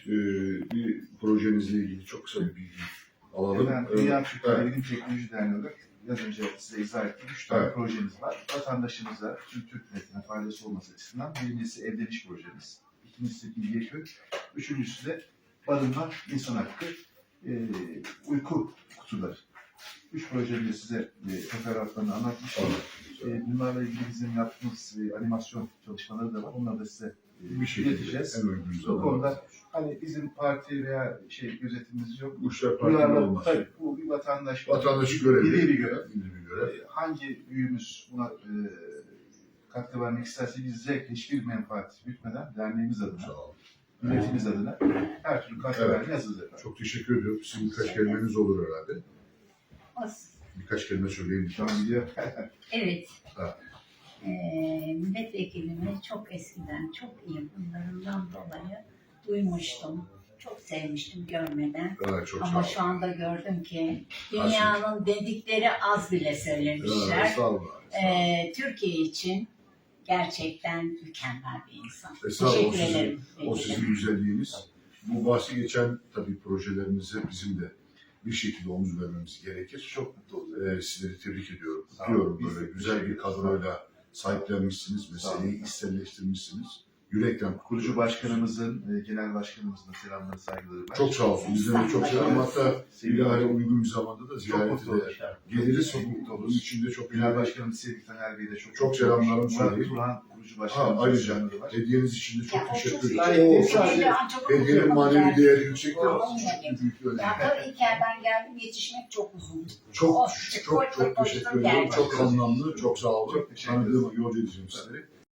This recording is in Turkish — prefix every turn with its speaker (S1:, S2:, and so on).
S1: bir projenizle ilgili çok kısa bir bilgi alalım.
S2: Ben Dünya Türkler Bilim Teknoloji Derneği olarak biraz önce size izah ettiğim 3 tane projemiz var. Vatandaşımıza, tüm Türk milletine faydası olması açısından birincisi evleniş projemiz, ikincisi bilgi, üçüncüsü de barınma, insan hakkı, uyku kutuları. 3 projemi de size teferruatlarını anlatmıştım. Bunlarla ilgili bizim yaptığımız animasyon çalışmaları da var. Onları da size
S1: bir şey
S2: ileteceğiz. Bu konuda hani bizim parti veya gözetimimiz yok.
S1: Bu işler partili olmaz.
S2: Tabii, bu bir vatandaş
S1: görevi.
S2: Milli bir görev.
S1: Milli bir görev.
S2: Hangi büyüğümüz buna katkı vermek isterse biz zevkle hiçbir menfaat gütmeden derneğimiz adına, milletimiz adına her türlü katkı vermeye hazırız efendim.
S1: Çok teşekkür ediyorum. Sizin birkaç kelimeniz olur herhalde. Birkaç kelime söyleyin.
S3: Evet.
S1: Ha.
S3: Milletvekilimi çok eskiden, çok iyi bunlarından dolayı duymuştum. Çok sevmiştim görmeden.
S1: Evet, çok
S3: ama şu anda gördüm ki dünyanın dedikleri az bile söylemişler. Türkiye için gerçekten mükemmel bir insan. Teşekkür ederim.
S1: O sizin güzelliğiniz. Bu bahsi geçen tabii projelerinize bizim de bir şekilde omuz vermemiz gerekir.
S2: Çok mutlu olurum.
S1: Sizleri tebrik ediyorum. Diyorum böyle güzel bir kadroyla sahiplenmişsiniz, meseleyi içselleştirmişsiniz. Yürekten
S2: kurucu başkanımızın, genel başkanımızın da selamları, saygıları var.
S1: çok sağ olsun. Bizden de çok selam. Hatta ilahare uygun bir zamanda da ziyarete de geliriz. Bunun için de çok
S2: genel başkanımız Sevgi Taner Bey'e de çok
S1: selamlarımı söyleyeyim.
S2: Turhan kurucu başkanımız.
S1: Ayrıca hediyeniz için de çok teşekkür
S3: ederim.
S1: Hediyenin manevi değeri yüksektir ama büyük önemli.
S3: Ya İlker'den geldim, yetişmek çok uzun.
S1: Çok teşekkür ederim. Çok anlamlı, çok sağ olun. Tanıdığıma yol edeceğim sizleri.